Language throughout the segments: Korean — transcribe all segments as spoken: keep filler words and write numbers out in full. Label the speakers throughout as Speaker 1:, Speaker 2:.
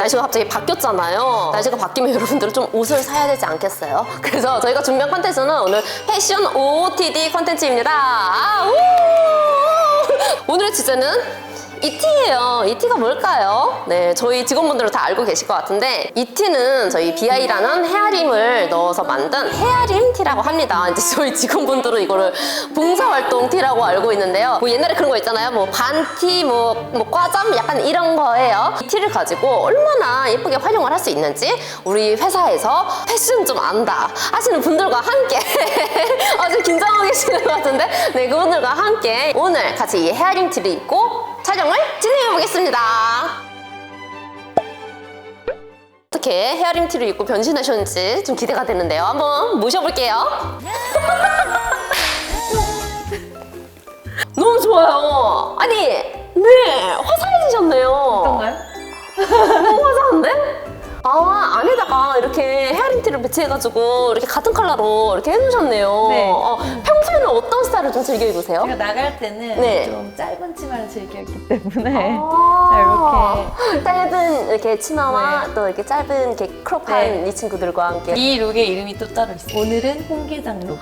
Speaker 1: 날씨가 갑자기 바뀌었잖아요. 날씨가 바뀌면 여러분들은 좀 옷을 사야 되지 않겠어요? 그래서 저희가 준비한 컨텐츠는 오늘 패션 오오티디 컨텐츠입니다. 아, 우! 오늘의 주제는 이티예요. 이티가 뭘까요? 네, 저희 직원분들은 다 알고 계실 것 같은데 이티는 저희 비아이라는 헤아림을 넣어서 만든 헤아림 티라고 합니다. 이제 저희 직원분들은 이거를 봉사활동 티라고 알고 있는데요. 뭐 옛날에 그런 거 있잖아요. 뭐 반티, 뭐, 뭐 과잠 약간 이런 거예요. 이 티를 가지고 얼마나 예쁘게 활용을 할 수 있는지 우리 회사에서 패션 좀 안다 하시는 분들과 함께 아주 긴장하고 계시는 것 같은데 네, 그분들과 함께 오늘 같이 이 헤아림 티를 입고 촬영을 진행해 보겠습니다. 어떻게 헤어림 티를 입고 변신하셨는지 좀 기대가 되는데요. 한번 모셔볼게요. 너무 좋아요. 아니, 네, 화사해지셨네요.
Speaker 2: 어떤가요?
Speaker 1: 너무 화사한데? 아, 안에다가 이렇게 헤어림 티를 배치해가지고 이렇게 같은 컬러로 이렇게 해놓으셨네요.
Speaker 2: 네.
Speaker 1: 어, 평소에는 어떤 스타일을 좀 즐겨 입으세요?
Speaker 2: 제가 나갈 때는
Speaker 1: 네.
Speaker 2: 좀 짧은 치마를 즐겼기 때문에
Speaker 1: 아
Speaker 2: 자, 이렇게
Speaker 1: 짧은 이렇게 치마와
Speaker 2: 네.
Speaker 1: 또 이렇게 짧은 이렇게 크롭한
Speaker 2: 네.
Speaker 1: 이 친구들과 함께
Speaker 2: 이 룩의 이름이 또 따로 있어요. 오늘은 홍게장 룩.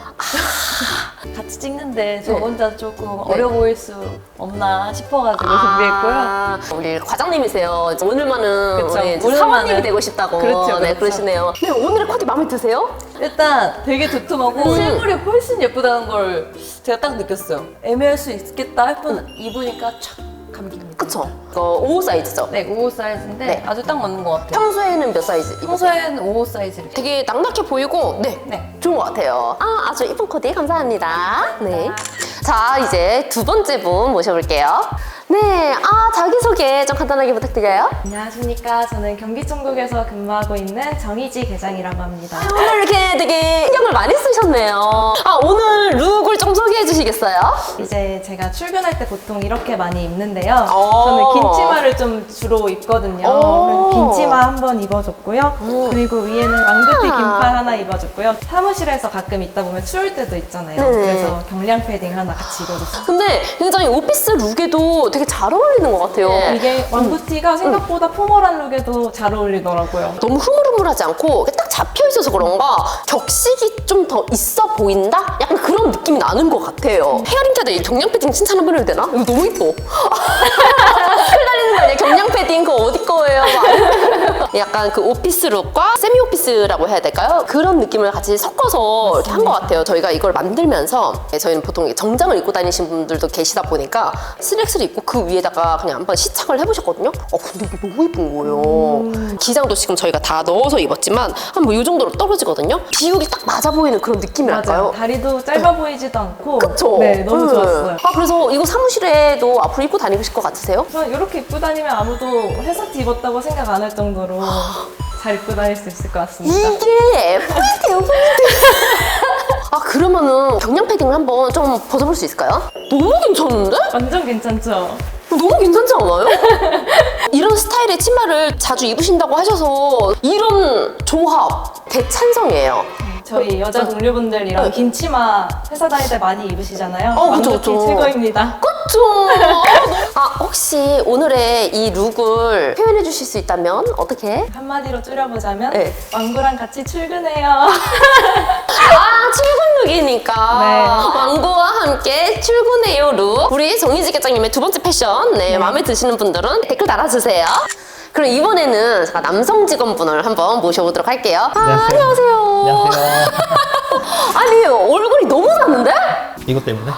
Speaker 2: 같이 찍는데 저
Speaker 1: 네.
Speaker 2: 혼자 조금
Speaker 1: 네.
Speaker 2: 어려 보일 수 없나 싶어가지고 준비했고요.
Speaker 1: 아, 우리 과장님이세요. 오늘만은
Speaker 2: 그쵸.
Speaker 1: 우리 이제
Speaker 2: 오늘만은.
Speaker 1: 사원님이 되고 싶다고
Speaker 2: 그렇죠,
Speaker 1: 네,
Speaker 2: 그렇죠.
Speaker 1: 그러시네요. 네, 오늘의 코디 마음에 드세요?
Speaker 2: 일단 되게 도톰하고
Speaker 1: 음.
Speaker 2: 실물이 훨씬 예쁘다는 걸 제가 딱 느꼈어요. 애매할 수 있겠다 했던 입으니까 촥 감깁니다.
Speaker 1: 그쵸? 이거 오호 사이즈죠?
Speaker 2: 네, 오호 사이즈인데
Speaker 1: 네.
Speaker 2: 아주 딱 맞는 것 같아요.
Speaker 1: 평소에는 몇 사이즈 입으세요?
Speaker 2: 평소에는 오호 사이즈를.
Speaker 1: 되게 낭낙해 보이고 네,
Speaker 2: 네.
Speaker 1: 좋은 것 같아요. 아, 아주 이쁜 코디 감사합니다. 네. 자, 이제 두 번째 분 모셔볼게요. 네, 아, 자기소개 좀 간단하게 부탁드려요.
Speaker 3: 안녕하십니까. 저는 경기총국에서 근무하고 있는 정희지 계장이라고 합니다.
Speaker 1: 오늘 이렇게 되게 신경을 많이 쓰셨네요. 아, 오늘 룩을 좀 소개해 주시겠어요?
Speaker 3: 이제 제가 출근할 때 보통 이렇게 많이 입는데요.
Speaker 1: 오.
Speaker 3: 저는 긴 치마를 좀 주로 입거든요.
Speaker 1: 오.
Speaker 3: 그래서 긴 치마 한 번 입어줬고요.
Speaker 1: 음.
Speaker 3: 그리고 위에는 왕구티
Speaker 1: 아.
Speaker 3: 긴팔 하나 입어줬고요. 사무실에서 가끔 있다 보면 추울 때도 있잖아요.
Speaker 1: 네네.
Speaker 3: 그래서 경량 패딩 하나 같이 입어줬어요.
Speaker 1: 근데 굉장히 오피스 룩에도 되게 잘 어울리는 것 같아요.
Speaker 3: 이게 왕구티가 생각보다 포멀한 룩에도 잘 어울리더라고요.
Speaker 1: 너무 흐물흐물하지 않고 딱 잡혀 있어서 그런가 격식이 좀 더 있어 보인다? 약간 그런 느낌이 나는 것 같아요. 헤어링 캐드 이 경량 패딩 칭찬 한번 해도 되나? 이거 너무 이뻐. 흩날리는 거 아니에요? 경량 패딩 그거 어디 거예요? 막. 약간 그 오피스 룩과 세미 오피스라고 해야 될까요? 그런 느낌을 같이 섞어서 이렇게 한 것 같아요. 저희가 이걸 만들면서 저희는 보통 정장을 입고 다니신 분들도 계시다 보니까 슬랙스를 입고 그 위에다가 그냥 한번 시착을 해보셨거든요. 어, 근데 이게 너무 예쁜 거예요.
Speaker 3: 음.
Speaker 1: 기장도 지금 저희가 다 넣어서 입었지만 한 뭐 이 정도로 떨어지거든요. 비율이 딱 맞아 보이는 그런 느낌이랄까요?
Speaker 3: 맞아요. 다리도 짧아 보이지도 않고.
Speaker 1: 그쵸?
Speaker 3: 네, 너무
Speaker 1: 음.
Speaker 3: 좋았어요.
Speaker 1: 아, 그래서 이거 사무실에도 앞으로 입고 다니실 것 같으세요?
Speaker 3: 저는 이렇게 입고 다니면 아무도 회사 티 입었다고 생각 안 할 정도로 잘 입고 다닐 수 있을 것 같습니다.
Speaker 1: 이게 포인트예요, 포인트. 아, 그러면은 경량 패딩을 한번 좀 벗어볼 수 있을까요? 너무 괜찮은데?
Speaker 3: 완전 괜찮죠?
Speaker 1: 너무 괜찮지 않아요? 이런 스타일의 치마를 자주 입으신다고 하셔서 이런 조합 대찬성이에요.
Speaker 3: 저희 여자 동료분들이랑
Speaker 1: 네.
Speaker 3: 긴 치마 회사 다닐 때 많이 입으시잖아요.
Speaker 1: 어, 그쵸,
Speaker 3: 왕구티
Speaker 1: 그쵸.
Speaker 3: 최고입니다.
Speaker 1: 그쵸? 아, 혹시 오늘의 이 룩을 표현해 주실 수 있다면 어떻게?
Speaker 3: 한마디로 줄여보자면
Speaker 1: 네.
Speaker 3: 왕구랑 같이 출근해요.
Speaker 1: 아, 출근 룩이니까
Speaker 3: 네.
Speaker 1: 왕구와 함께 출근해요 룩. 우리 정희지 계장님의 두 번째 패션 네, 마음에 드시는 분들은 댓글 달아주세요. 그럼 이번에는 제가 남성 직원분을 한번 모셔보도록 할게요. 아, 안녕하세요.
Speaker 4: 안녕하세요.
Speaker 1: 아니, 얼굴이 너무 작는데?
Speaker 4: 이것 때문에?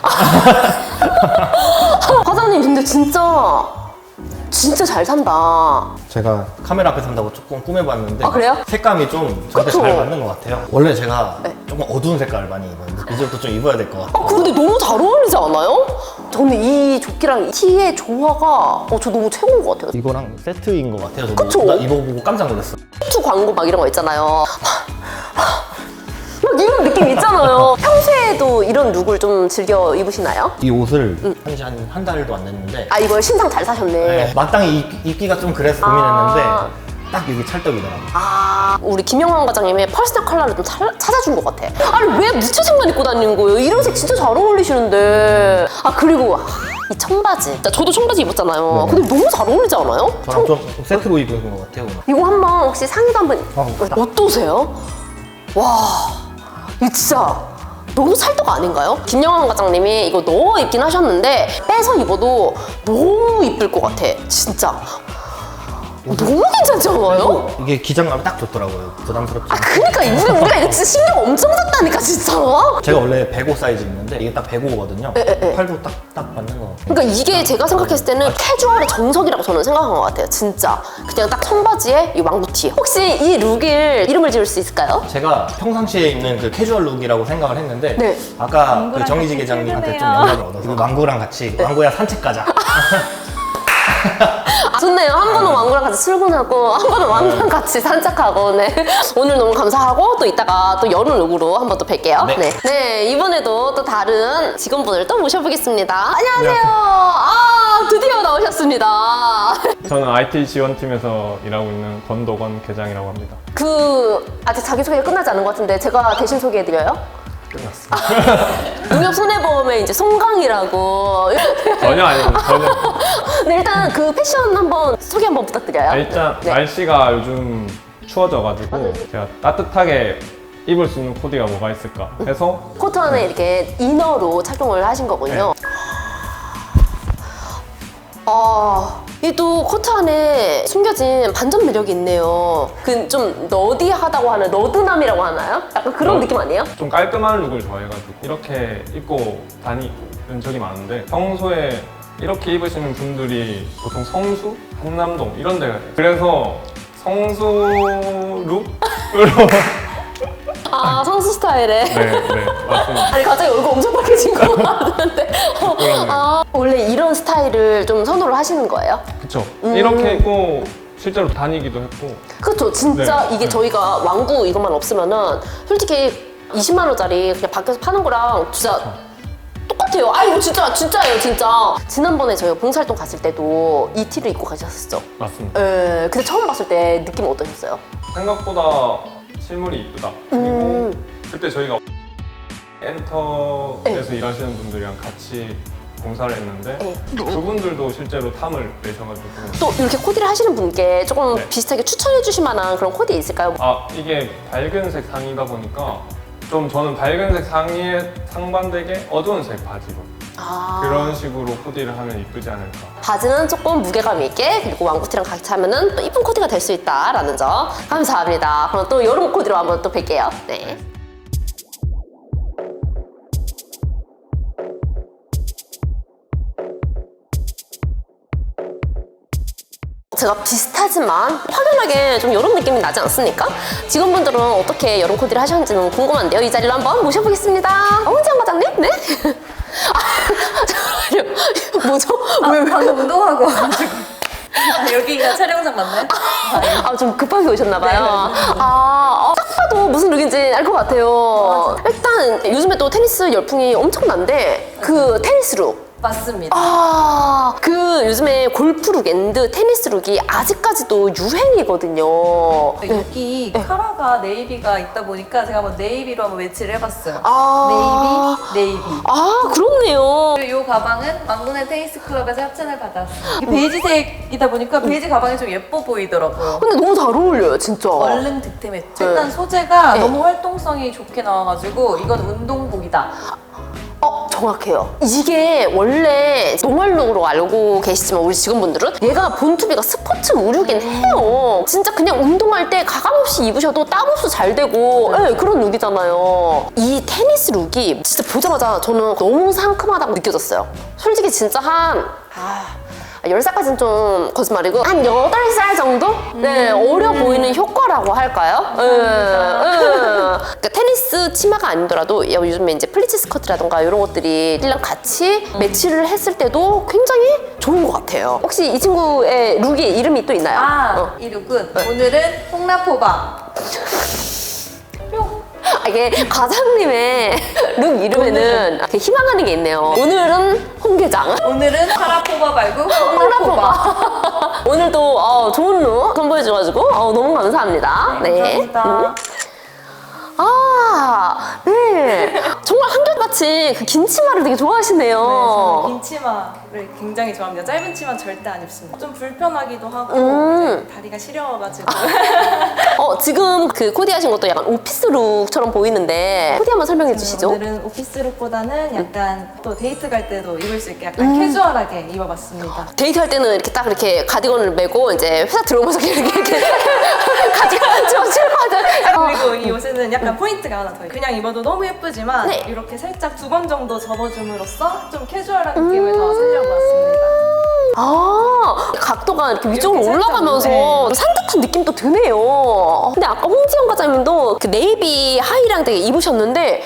Speaker 1: 과장님, 근데 진짜 진짜 잘 산다.
Speaker 4: 제가 카메라 앞에 산다고 조금 꾸며봤는데
Speaker 1: 아, 그래요?
Speaker 4: 색감이 좀 저한테
Speaker 1: 그쵸?
Speaker 4: 잘 맞는 것 같아요. 원래 제가
Speaker 1: 네.
Speaker 4: 조금 어두운 색깔을 많이 입었는데 이제부터 좀 입어야 될 것
Speaker 1: 아,
Speaker 4: 같아요.
Speaker 1: 근데 너무 잘 어울리지 않아요? 저는 이 조끼랑 이 티의 조화가 어, 저 너무 최고인 것 같아요.
Speaker 4: 이거랑 세트인 것 같아요. 저도
Speaker 1: 그쵸?
Speaker 4: 나 입어보고 깜짝 놀랐어요.
Speaker 1: 투 광고 막 이런 거 있잖아요. 막 이런 느낌 있잖아요. 평소에도 이런 룩을 좀 즐겨 입으시나요?
Speaker 4: 이 옷을 한지 한, 한 달도 안 됐는데
Speaker 1: 아, 이걸 신상 잘 사셨네.
Speaker 4: 네, 마땅히 입, 입기가 좀 그래서 고민했는데
Speaker 1: 아.
Speaker 4: 딱 여기 찰떡이더라고요.
Speaker 1: 아, 우리 김영환 과장님의 퍼스널 컬러를 좀 차, 찾아준 것 같아. 아니, 왜 무채색만 입고 다니는 거예요? 이런 색 진짜 잘 어울리시는데. 아, 그리고 아, 이 청바지. 저도 청바지 입었잖아요. 근데 너무 잘 어울리지 않아요?
Speaker 4: 저랑 좀 세트로 입은 것 같아요. 오늘.
Speaker 1: 이거 한번 혹시 상의도 한번
Speaker 4: 어,
Speaker 1: 어떠세요? 와, 이거 진짜 너무 찰떡 아닌가요? 김영환 과장님이 이거 넣어 입긴 하셨는데 빼서 입어도 너무 이쁠 것 같아. 진짜. 너무 괜찮지 않아요?
Speaker 4: 이게 기장감이 딱 좋더라고요. 부담스럽지
Speaker 1: 아,
Speaker 4: 않고.
Speaker 1: 그니까 우리, 우리가 이거 진짜 신경 엄청 썼다니까, 진짜.
Speaker 4: 제가 원래 백오 사이즈 입는데 이게 딱 백오거든요.
Speaker 1: 에, 에.
Speaker 4: 팔도 딱, 딱 맞는 것 같아요.
Speaker 1: 그러니까 이게 제가 생각했을 때는 캐주얼의 정석이라고 저는 생각한 것 같아요. 진짜. 그냥 딱 청바지에 이 왕부티. 혹시 이 룩을 이름을 지을 수 있을까요?
Speaker 4: 제가 평상시에 입는 그 캐주얼 룩이라고 생각을 했는데
Speaker 1: 네.
Speaker 4: 아까 그
Speaker 3: 망구랑
Speaker 4: 정희지
Speaker 3: 같이
Speaker 4: 계장님한테 좀
Speaker 3: 출근해요.
Speaker 4: 영감을 얻어서 그 망구랑 같이 망구야 산책 가자.
Speaker 1: 아, 좋네요. 한 분은 왕구랑 같이 출근하고 한 분은 왕구랑 같이 산책하고. 네. 오늘 너무 감사하고 또 이따가 또 여름 룩으로 한번 또 뵐게요.
Speaker 4: 네.
Speaker 1: 네. 네, 이번에도 또 다른 직원분을 또 모셔보겠습니다. 안녕하세요. 아, 드디어 나오셨습니다.
Speaker 5: 저는 아이티 지원팀에서 일하고 있는 권도건 계장이라고 합니다.
Speaker 1: 그 아직 자기소개가 끝나지 않은 것 같은데 제가 대신 소개해드려요?
Speaker 4: 끝났습니다.
Speaker 1: 농협손해보험의 이제 송강이라고.
Speaker 5: 전혀 아닙니다. 전혀.
Speaker 1: 네, 일단 그 패션 한번 소개 한번 부탁드려요.
Speaker 5: 아, 일단
Speaker 1: 네.
Speaker 5: 날씨가 요즘 추워져가지고 제가 따뜻하게 입을 수 있는 코디가 뭐가 있을까 해서
Speaker 1: 코트 안에 이렇게 이너로 착용을 하신 거군요. 아, 이 또 코트 안에 숨겨진 반전 매력이 있네요. 그 좀 너디하다고 하는 너드남이라고 하나요? 약간 그런
Speaker 5: 어.
Speaker 1: 느낌 아니에요?
Speaker 5: 좀 깔끔한 룩을 좋아해가지고 이렇게 입고 다니는 적이 많은데 평소에 이렇게 입으시는 분들이 보통 성수, 한남동 이런 데 가요. 그래서 성수 룩으로
Speaker 1: 아, 성수 스타일에.
Speaker 5: 네, 네, 맞습니다.
Speaker 1: 아니 갑자기 얼굴 엄청 빨개진 것 같은데.
Speaker 5: 그러네요.
Speaker 1: 아, 원래 이런 스타일을 좀 선호를 하시는 거예요?
Speaker 5: 그쵸.
Speaker 1: 음.
Speaker 5: 이렇게 입고 실제로 다니기도 했고
Speaker 1: 그렇죠. 진짜
Speaker 5: 네.
Speaker 1: 이게 저희가 왕구 이것만 없으면은 솔직히 이십만 원짜리 그냥 밖에서 파는 거랑 진짜 똑같아요. 아, 이거 진짜 진짜예요, 진짜. 지난번에 저희가 봉사활동 갔을 때도 이 티를 입고 가셨었죠?
Speaker 5: 맞습니다.
Speaker 1: 예. 근데 처음 봤을 때 느낌 어떠셨어요?
Speaker 5: 생각보다 실물이 이쁘다. 그리고
Speaker 1: 음.
Speaker 5: 그때 저희가 엔터에서 일하시는 분들이랑 같이 봉사를 했는데
Speaker 1: 네.
Speaker 5: 그분들도 실제로 탐을 내셔가지고
Speaker 1: 또 이렇게 코디를 하시는 분께 조금
Speaker 5: 네.
Speaker 1: 비슷하게 추천해 주실 만한 그런 코디 있을까요?
Speaker 5: 아 이게 밝은색 상의다 보니까 좀 저는 밝은색 상의에 상반되게 어두운 색 바지로
Speaker 1: 아.
Speaker 5: 그런 식으로 코디를 하면 이쁘지 않을까.
Speaker 1: 바지는 조금 무게감 있게, 그리고 왕구티랑 같이 하면은 또 이쁜 코디가 될 수 있다라는 점 감사합니다. 그럼 또 여름 코디로 한번 또 뵐게요. 네. 제가 비슷하지만 확연하게 좀 여름 느낌이 나지 않습니까? 직원분들은 어떻게 여름 코디를 하셨는지는 궁금한데요. 이 자리로 한번 모셔보겠습니다. 홍지영 과장님? 네? 아, 잠깐만요. 뭐죠?
Speaker 2: 아,
Speaker 1: 왜, 왜?
Speaker 2: 방금 운동하고 와가지고. 아, 여기가 촬영장 맞나요?
Speaker 1: 아, 좀 급하게 오셨나봐요.
Speaker 2: 네, 네, 네.
Speaker 1: 아, 어, 딱 봐도 무슨 룩인지 알 것 같아요. 일단 요즘에 또 테니스 열풍이 엄청난데 그 테니스 룩.
Speaker 2: 맞습니다.
Speaker 1: 아, 그 요즘에 골프 룩 앤드 테니스 룩이 아직까지도 유행이거든요. 네.
Speaker 2: 여기 카라가 네이비가 있다 보니까 제가 한번 네이비로 한번 매치를 해봤어요.
Speaker 1: 아.
Speaker 2: 네이비, 네이비.
Speaker 1: 아, 그렇네요.
Speaker 2: 그리고 이 가방은 망고네 테니스 클럽에서 협찬을 받았어요. 이게 베이지색이다 보니까 베이지 가방이 좀 예뻐 보이더라고요.
Speaker 1: 근데 너무 잘 어울려요, 진짜.
Speaker 2: 얼른 득템했죠.
Speaker 1: 네.
Speaker 2: 일단 소재가
Speaker 1: 네.
Speaker 2: 너무 활동성이 좋게 나와가지고 이건 운동복이다.
Speaker 1: 어, 정확해요. 이게 원래 노멀룩으로 알고 계시지만 우리 직원분들은 얘가 본투비가 스포츠 의류긴 해요. 진짜 그냥 운동할 때 가감없이 입으셔도 땀 없이 잘 되고 네, 그런 룩이잖아요. 이 테니스 룩이 진짜 보자마자 저는 너무 상큼하다고 느껴졌어요. 솔직히 진짜 한... 아... 열 살까지는 좀 거짓말이고 한 여덟 살 정도? 네, 어려 보이는 효과라고 할까요? 예, 예. 그러니까 테니스 치마가 아니더라도 요즘에 이제 플리츠 스커트라던가 이런 것들이 이랑 같이 매치를 했을 때도 굉장히 좋은 것 같아요. 혹시 이 친구의 룩이 이름이 또 있나요?
Speaker 2: 아,
Speaker 1: 어.
Speaker 2: 이 룩은 오늘은 홍라포바.
Speaker 1: 아, 이게 과장님의 룩 이름에는 이렇게 희망하는 게 있네요. 오늘은 홍계장.
Speaker 2: 오늘은 카라포바 말고 홍라포바.
Speaker 1: 홍라포바. 오늘도 어, 좋은 룩 선보여줘가지고 어, 너무 감사합니다.
Speaker 2: 네, 감사합니다.
Speaker 1: 음. 아, 네, 네. 정말 한결같이 그 긴 치마를 되게
Speaker 3: 네, 저는
Speaker 1: 좋아하시네요.
Speaker 3: 긴 치마를 굉장히 좋아합니다. 짧은 치마는 절대 안 입습니다. 좀 불편하기도 하고
Speaker 1: 음.
Speaker 3: 이제 다리가 시려워가지고
Speaker 1: 어, 지금 그 코디하신 것도 약간 오피스룩처럼 보이는데 코디 한번 설명해 주시죠.
Speaker 3: 오늘은 오피스룩보다는 약간 또 데이트 갈 때도 입을 수 있게 약간 캐주얼하게 입어봤습니다.
Speaker 1: 데이트할 때는 이렇게 딱 이렇게 가디건을 메고 이제 회사 들어오면서 이렇게 이렇게 가디건 좀 실컷
Speaker 3: 그리고 이 옷에는 약간 포인트가 하나 더 있어요. 그냥 입어도 너무 예쁘지만
Speaker 1: 네.
Speaker 3: 이렇게 살짝 두 번 정도 접어줌으로써 좀 캐주얼한 느낌을 더 살려고 왔습니다.
Speaker 1: 아, 각도가 이렇게 위쪽으로
Speaker 3: 이렇게 살짝,
Speaker 1: 올라가면서
Speaker 3: 네.
Speaker 1: 산뜻한 느낌도 드네요. 근데 아까 홍지영 과장님도 그 네이비 하의랑 되게 입으셨는데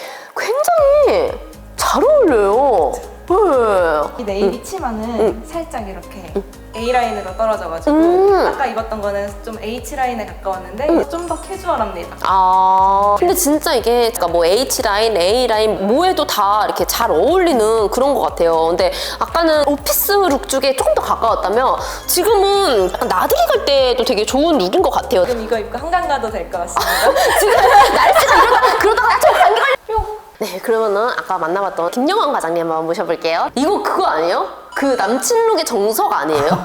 Speaker 1: 굉장히 잘 어울려요. 네.
Speaker 3: 이 네이비 치마는 살짝 이렇게 A라인으로 떨어져가지고
Speaker 1: 음.
Speaker 3: 아까 입었던 거는 좀 H라인에 가까웠는데 좀 더 캐주얼합니다.
Speaker 1: 아, 근데 진짜 이게 그러니까 뭐 H라인, A라인 뭐에도 다 이렇게 잘 어울리는 그런 것 같아요. 근데 아까는 오피스 룩 쪽에 조금 더 가까웠다면 지금은 약간 나들이 갈 때도 되게 좋은 룩인 것 같아요.
Speaker 3: 지금 이거 입고 한강 가도 될 것 같습니다.
Speaker 1: 지금 날씨가 이러다가 그러다가 좀 감기 걸려. 네, 그러면은 아까 만나봤던 김영환 과장님 한번 모셔볼게요. 이거 그거 아니에요? 그 남친 룩의 정석 아니에요?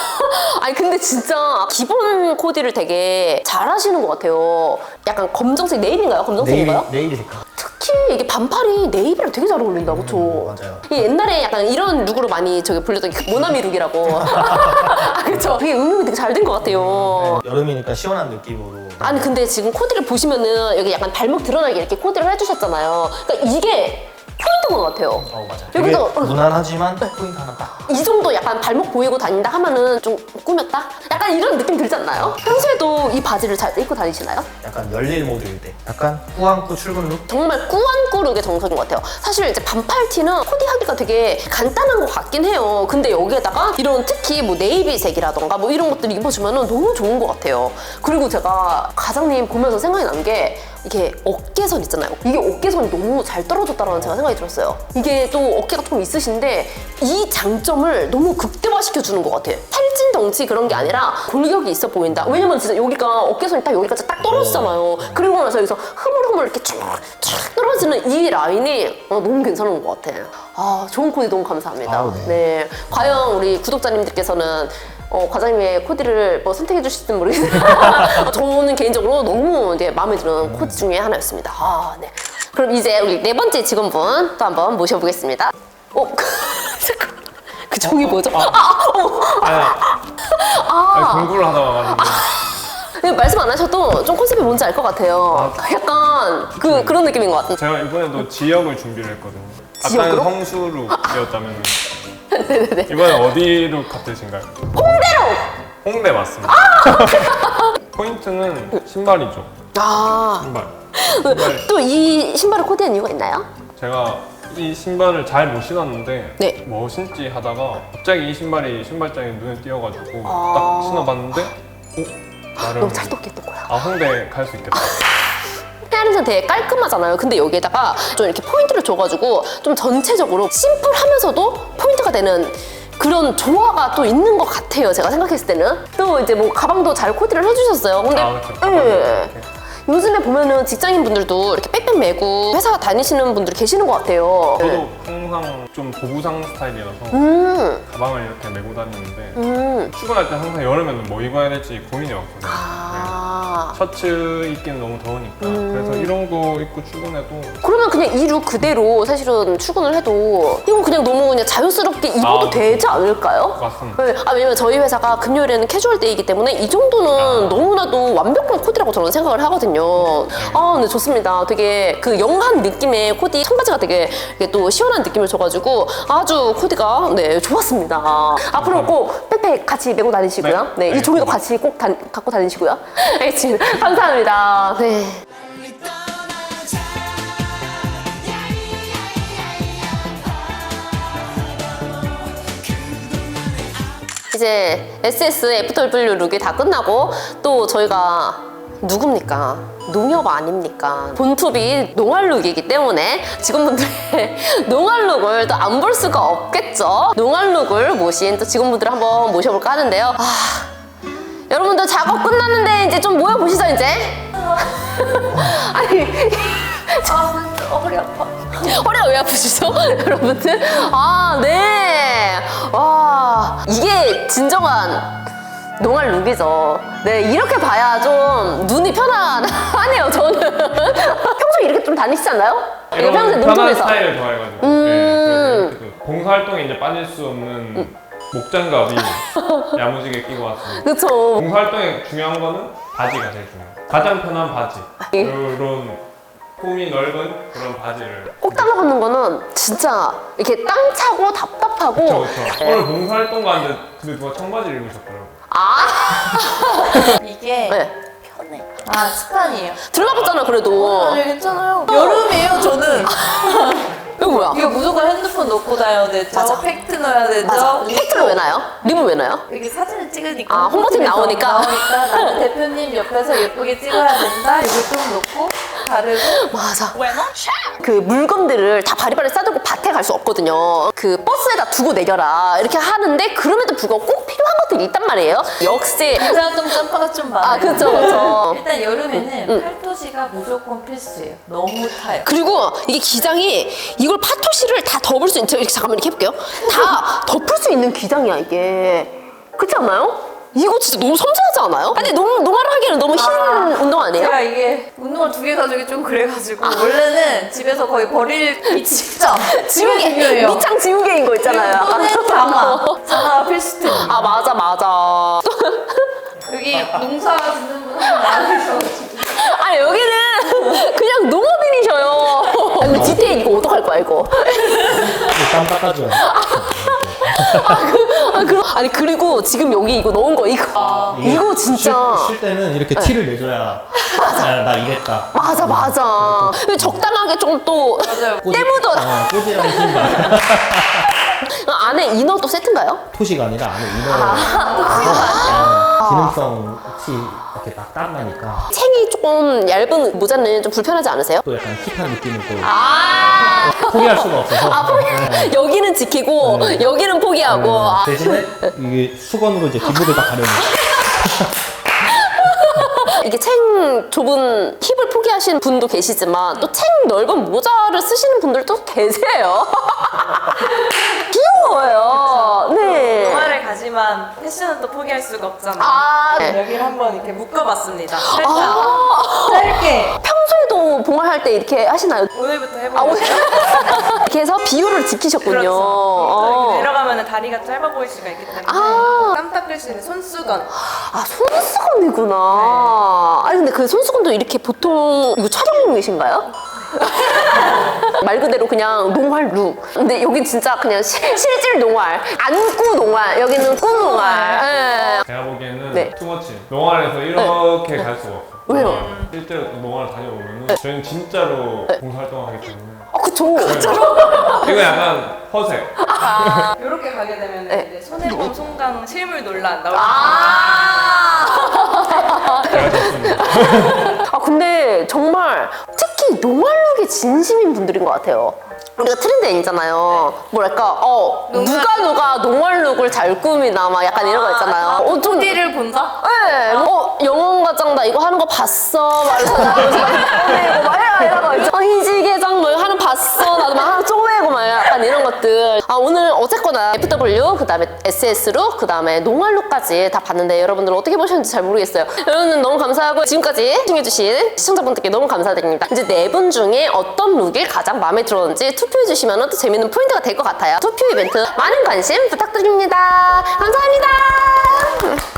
Speaker 1: 아니 근데 진짜 기본 코디를 되게 잘하시는 것 같아요. 약간 검정색 네이비인가요?
Speaker 4: 네일,
Speaker 1: 검정색인가요?
Speaker 4: 네일 색깔.
Speaker 1: 특히 이게 반팔이 네이비랑 되게 잘 어울린다, 그쵸?
Speaker 4: 맞아요.
Speaker 1: 이 옛날에 약간 이런 룩으로 많이 저기 불렸던 그 모나미 룩이라고. 아, 그쵸? 되게 응용이 되게 잘 된 것 같아요.
Speaker 4: 여름이니까 시원한 느낌으로.
Speaker 1: 아니 근데 지금 코디를 보시면은 여기 약간 발목 드러나게 이렇게 코디를 해주셨잖아요. 그러니까 이게 포인트인 것 같아요.
Speaker 4: 어, 맞아요. 되게
Speaker 1: 여기서 어,
Speaker 4: 무난하지만 포인트 하나 딱.
Speaker 1: 이 정도 약간 발목 보이고 다닌다 하면은 좀 꾸몄다? 약간 이런 느낌 들지 않나요? 평소에도 이 바지를 잘 입고 다니시나요?
Speaker 4: 약간 열일 모드일 때. 약간 꾸안꾸 출근 룩?
Speaker 1: 정말 꾸안꾸룩의 정석인 것 같아요. 사실 이제 반팔티는 코디하기가 되게 간단한 것 같긴 해요. 근데 여기에다가 이런 특히 뭐 네이비색이라던가 뭐 이런 것들 입어주면은 너무 좋은 것 같아요. 그리고 제가 과장님 보면서 생각이 난 게 이게 어깨선 있잖아요. 이게 어깨선이 너무 잘 떨어졌다라는 제가 생각이 들었어요. 이게 또 어깨가 조금 있으신데 이 장점을 너무 극대화시켜주는 것 같아요. 살찐 덩치 그런 게 아니라 골격이 있어 보인다. 왜냐면 진짜 여기가 어깨선이 딱 여기까지 딱 떨어지잖아요. 그리고 나서 여기서 흐물흐물 이렇게 쫙, 쫙 떨어지는 이 라인이 어, 너무 괜찮은 것 같아요. 아, 좋은 코디 너무 감사합니다.
Speaker 4: 아, 네.
Speaker 1: 네. 과연 우리 구독자님들께서는 어, 과장님의 코디를 뭐 선택해 주실지는 모르겠는데 저는 개인적으로 너무 이제 마음에 드는 코디 중에 하나였습니다. 아, 네. 그럼 이제 우리 네 번째 직원분 또 한번 모셔보겠습니다. 어, 잠깐. 그 종이 뭐죠? 아, 아, 어.
Speaker 5: 아니, 아니, 공부를 하다 와가지고.
Speaker 1: 네, 말씀 안 하셔도 좀 컨셉이 뭔지 알 것 같아요. 약간 그, 그런 느낌인 것 같아요.
Speaker 5: 제가 이번에도 지역을 준비를 했거든요.
Speaker 1: 지역으로?
Speaker 5: 아까는 성수룩이었다면 이번엔 어디로 같으신가요?
Speaker 1: 홍대로!
Speaker 5: 홍대 맞습니다. 포인트는 신발이죠.
Speaker 1: 아,
Speaker 5: 신발. 신발.
Speaker 1: 또 이 신발을 코디한 이유가 있나요?
Speaker 5: 제가 이 신발을 잘 못 신었는데
Speaker 1: 네.
Speaker 5: 뭐 신지 하다가 갑자기 이 신발이 신발장에 눈에 띄어가지고
Speaker 1: 아.
Speaker 5: 딱 신어봤는데 어? 나름
Speaker 1: 너무 찰떡했던 거야.
Speaker 5: 아 홍대 갈 수 있겠다.
Speaker 1: 헤아린선 되게 깔끔하잖아요. 근데 여기에다가 좀 이렇게 포인트를 줘가지고 좀 전체적으로 심플하면서도 포인트가 되는 그런 조화가 또 있는 것 같아요. 제가 생각했을 때는. 또 이제 뭐 가방도 잘 코디를 해주셨어요. 근데
Speaker 5: 아, 그렇죠.
Speaker 1: 예. 요즘에 보면은 직장인 분들도 이렇게 백팩 메고 회사 다니시는 분들이 계시는 것 같아요.
Speaker 5: 저도 항상 좀 보부상 스타일이라서
Speaker 1: 음,
Speaker 5: 가방을 이렇게 메고 다니는데
Speaker 1: 음.
Speaker 5: 출근할 때 항상 여름에는 뭐 입어야 될지 고민이 없거든요.
Speaker 1: 아.
Speaker 5: 네. 셔츠 입기는 너무 더우니까
Speaker 1: 음.
Speaker 5: 그래서 이런 거 입고 출근해도
Speaker 1: 그러면 그냥 이 룩 그대로 사실은 출근을 해도 이건 그냥 너무 그냥 자연스럽게 입어도
Speaker 5: 아,
Speaker 1: 되지 않을까요?
Speaker 5: 맞습니다.
Speaker 1: 네. 아, 왜냐면 저희 회사가 금요일에는 캐주얼 데이이기 때문에 이 정도는
Speaker 5: 아.
Speaker 1: 너무나도 완벽한 코디라고 저는 생각을 하거든요. 아, 네, 좋습니다. 되게 그 영한 느낌의 코디, 청바지가 되게 이게 또 시원한 느낌을 줘가지고 아주 코디가 네, 좋았습니다. 앞으로 꼭 백팩 같이 메고 다니시고요.
Speaker 5: 네.
Speaker 1: 네, 이
Speaker 5: 네.
Speaker 1: 종이도 같이 꼭 다, 갖고 다니시고요. 알겠습니다. 감사합니다. 네. 이제 에스에스 에프더블유 룩이 다 끝나고 또 저희가 누굽니까? 농협 아닙니까? 본투비 농활 룩이기 때문에 직원분들의 농활 룩을 또 안 볼 수가 없겠죠? 농활 룩을 모신 또 직원분들을 한번 모셔볼까 하는데요. 아, 여러분들 작업 끝났는데 이제 좀 모여보시죠, 이제. 아니,
Speaker 2: 아, 허리 아파.
Speaker 1: 허리가 왜 아프시죠? 여러분들? 아, 네. 와, 이게 진정한 농활 룩이죠. 네, 이렇게 봐야 좀 눈이 편안하네요, 저는. 평소에 이렇게 좀 다니시지 않나요?
Speaker 5: 이런
Speaker 1: 평소에
Speaker 5: 편한
Speaker 1: 농촌에서.
Speaker 5: 스타일을 좋아해가지고
Speaker 1: 음.
Speaker 5: 네, 그래서 이렇게 그 봉사활동에 이제 빠질 수 없는 목장갑이 야무지게 끼고 왔습니다.
Speaker 1: 그쵸.
Speaker 5: 봉사활동에 중요한 거는 바지가 제일 중요해요. 가장 편한 바지.
Speaker 1: 예.
Speaker 5: 이런 폼이 넓은 그런 바지를.
Speaker 1: 꼭 달라붙는 거는 진짜 이렇게 땅 차고 답답하고.
Speaker 5: 그렇죠, 그렇죠. 오늘 봉사활동 가는데 근데 누가 청바지를 입으셨더라고요.
Speaker 1: 아,
Speaker 2: 이게
Speaker 1: 네.
Speaker 2: 편해. 아, 스판이에요.
Speaker 1: 들러붙잖아, 그래도.
Speaker 2: 아니, 괜찮아요. 여름이에요, 저는.
Speaker 1: 이거 뭐야?
Speaker 2: 이거 무조건 핸드폰 넣고 다녀야 되죠.
Speaker 1: 맞아.
Speaker 2: 팩트 넣어야 되죠.
Speaker 1: 맞아. 팩트를 왜 놔요? 립을 왜 놔요?
Speaker 2: 여기 사진을 찍으니까.
Speaker 1: 아, 홍보팀
Speaker 2: 홍보팀에서
Speaker 1: 나오니까.
Speaker 2: 나오니까 나는 대표님 옆에서 예쁘게 찍어야 된다. 이거 좀 넣고 바르고.
Speaker 1: 맞아. 그 물건들을 다 바리바리 싸들고 밭에 갈 수 없거든요. 그 버스에다 두고 내려라 이렇게 하는데 그럼에도 불구하고 꼭 필요한 것들이 있단 말이에요. 역시.
Speaker 2: 봉사활동 짬바가 좀 많아요.
Speaker 1: 아, 그쵸, 그쵸.
Speaker 2: 일단 여름에는 팔토시가 무조건 필수예요. 너무 타요.
Speaker 1: 그리고 이게 기장이 이걸 파토시를 다 덮을 수 있는, 이렇게 잠깐만 이렇게 해볼게요. 다 덮을 수 있는 기장이야, 이게. 그렇지 않나요? 이거 진짜 너무 섬세하지 않아요? 아니, 너무 농활을 하기에는 너무 흰 운동 아니에요?
Speaker 2: 제가 이게 운동화 두 개 가지고 좀 그래가지고 원래는 집에서 거의 버릴 이 진짜
Speaker 1: 지우개,
Speaker 2: 중요해요.
Speaker 1: 밑창 지우개인 거 있잖아요.
Speaker 2: 또는 장화. 장화가 필수템이에요.
Speaker 1: 아, 맞아, 맞아.
Speaker 2: 여기 농사 짓는 분 한 분 많으셔가지고.
Speaker 1: 아, 여기는 그냥 농업인이셔요. 아니, 디테일 이거 어떡할 거야, 이거.
Speaker 4: 땀 닦아줘요.
Speaker 1: 아, 그, 아니, 그리고 지금 여기 이거 넣은 거, 이거. 이거 진짜.
Speaker 4: 쉴, 쉴 때는 이렇게 티를 내줘야 아, 나 이랬다.
Speaker 1: 맞아, 맞아. 근데 적당하게 좀 또.
Speaker 2: 맞아요.
Speaker 4: 꼬지-
Speaker 1: 때묻어.
Speaker 4: 어, 꼬지랑 신발.
Speaker 1: 안에 이너도 세트인가요?
Speaker 4: 토시가 아니라 안에 이너. 기능성 티 이렇게 막 땀나니까
Speaker 1: 챙이 조금 얇은 모자는 좀 불편하지 않으세요?
Speaker 4: 또 약간 힙한 느낌을 또
Speaker 1: 아,
Speaker 4: 포기할 수가 없어서.
Speaker 1: 아 포기.
Speaker 4: 네.
Speaker 1: 여기는 지키고
Speaker 4: 네.
Speaker 1: 여기는 포기하고. 아.
Speaker 4: 대신에 이게 수건으로 이제 기부를 다 가려는.
Speaker 1: 이게 챙 좁은 힙을 포기하시는 분도 계시지만 또 챙 넓은 모자를 쓰시는 분들도 계세요. 귀여워요. 네.
Speaker 3: 동화를 가지만 패션은 또 포기할 수가 없잖아요.
Speaker 1: 아, 네.
Speaker 3: 여기를 한번 이렇게 묶어봤습니다. 살짝
Speaker 1: 아,
Speaker 3: 짧게
Speaker 1: 평소에도 봉화할 때 이렇게 하시나요?
Speaker 3: 오늘부터
Speaker 1: 아,
Speaker 3: 해보려고.
Speaker 1: 오늘 이렇게 해서 비율을 지키셨군요.
Speaker 3: 그렇죠.
Speaker 1: 어.
Speaker 3: 이렇게 내려가면 다리가 짧아 보일 수가 있기 때문에
Speaker 1: 아.
Speaker 3: 땀 닦을 수 있는 손수건.
Speaker 1: 아, 손수건이구나. 아니, 근데 그 손수건도 이렇게 보통, 이거 촬영용이신가요? 말 그대로 그냥 농활 룩. 근데 여긴 진짜 그냥 실, 실질 농활. 안꾸 농활. 여기는 꾸 농활. 예.
Speaker 5: 제가 보기에는
Speaker 1: 네.
Speaker 5: 투머치. 농활에서 이렇게 갈 수가 없어요.
Speaker 1: 왜요?
Speaker 5: 네. 실제로 농활을 다녀보면 저희는 진짜로 봉사활동을 하기 때문에
Speaker 1: 아, 그쵸.
Speaker 5: 이거 약간 허색.
Speaker 3: 이렇게 가게 되면
Speaker 1: 네.
Speaker 3: 이제 손해보험 송강 실물 논란 나올 수
Speaker 1: 아.
Speaker 5: 제가 좋습니다.
Speaker 1: 아, 근데 정말 특히 농활룩에 진심인 분들인 것 같아요. 우리가 트렌드 N이잖아요. 뭐랄까, 어, 누가 누가 농활룩을 잘 꾸미나, 막 약간 이런 거 있잖아요. 어, 좀.
Speaker 3: 있는 본다?
Speaker 1: 네, 어, 영혼과장 나 이거 하는 거 봤어. 말해서 꺼내고 막 이런, 이런 거 있죠. 어, 희지개장 뭐 하는 거 봤어. 나도 막 하나 쪼매고 막 약간 이런 것들. 아, 오늘 어쨌거나 에프 더블유, 그 다음에 에스 에스룩, 그 다음에 농활룩까지 다 봤는데 여러분들 어떻게 보셨는지 잘 모르겠어요. 여러분 너무 감사하고 지금까지 시청해주신 시청자분들께 너무 감사드립니다. 이제 네 분 중에 어떤 룩이 가장 마음에 들었는지 투표해주시면 또 재밌는 포인트가 될 것 같아요. 투표 이벤트 많은 관심 부탁드립니다. 감사합니다.